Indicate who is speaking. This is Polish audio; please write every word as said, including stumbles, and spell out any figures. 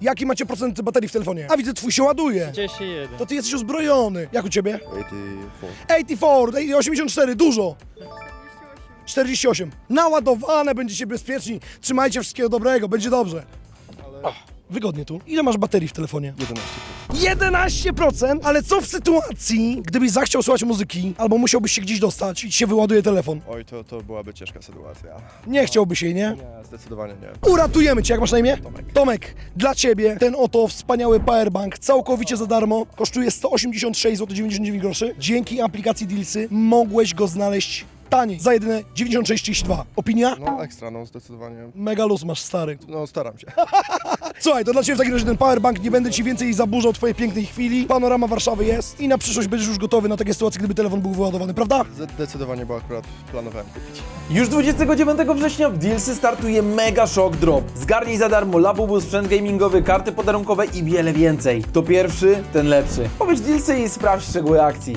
Speaker 1: Jaki macie procent baterii w telefonie? A widzę, twój się ładuje.
Speaker 2: trzydzieści jeden.
Speaker 1: To ty jesteś uzbrojony. Jak u ciebie?
Speaker 3: osiemdziesiąt cztery.
Speaker 1: osiemdziesiąt cztery, osiemdziesiąt cztery, dużo. czterdzieści osiem. Naładowane, będziecie bezpieczni. Trzymajcie wszystkiego dobrego, będzie dobrze. Ach, wygodnie tu. Ile masz baterii w telefonie?
Speaker 3: jedenaście.
Speaker 1: jedenaście procent? Ale co w sytuacji, gdybyś zachciał słuchać muzyki, albo musiałbyś się gdzieś dostać i ci się wyładuje telefon?
Speaker 3: Oj, to, to byłaby ciężka sytuacja.
Speaker 1: Nie chciałbyś jej, nie?
Speaker 3: Nie, zdecydowanie nie.
Speaker 1: Uratujemy cię, jak masz na imię?
Speaker 3: Tomek.
Speaker 1: Tomek, dla ciebie ten oto wspaniały powerbank całkowicie za darmo kosztuje sto osiemdziesiąt sześć złotych dziewięćdziesiąt dziewięć groszy. Dzięki aplikacji Dealsy mogłeś go znaleźć taniej, za jedyne dziewięćdziesiąt sześć trzydzieści dwa. Opinia?
Speaker 3: No ekstra, no zdecydowanie.
Speaker 1: Mega luz masz, stary.
Speaker 3: No staram się.
Speaker 1: Słuchaj, to dla ciebie w takim razie ten powerbank, nie będę ci więcej zaburzał twojej pięknej chwili. Panorama Warszawy jest i na przyszłość będziesz już gotowy na takie sytuacje, gdyby telefon był wyładowany, prawda?
Speaker 3: Zdecydowanie, bo akurat planowałem kupić.
Speaker 4: Już dwudziestego dziewiątego września w Dealsy startuje Mega Shock Drop. Zgarnij za darmo Labubu, sprzęt gamingowy, karty podarunkowe i wiele więcej. Kto pierwszy, ten lepszy. Powiedz Dealsy i sprawdź szczegóły akcji.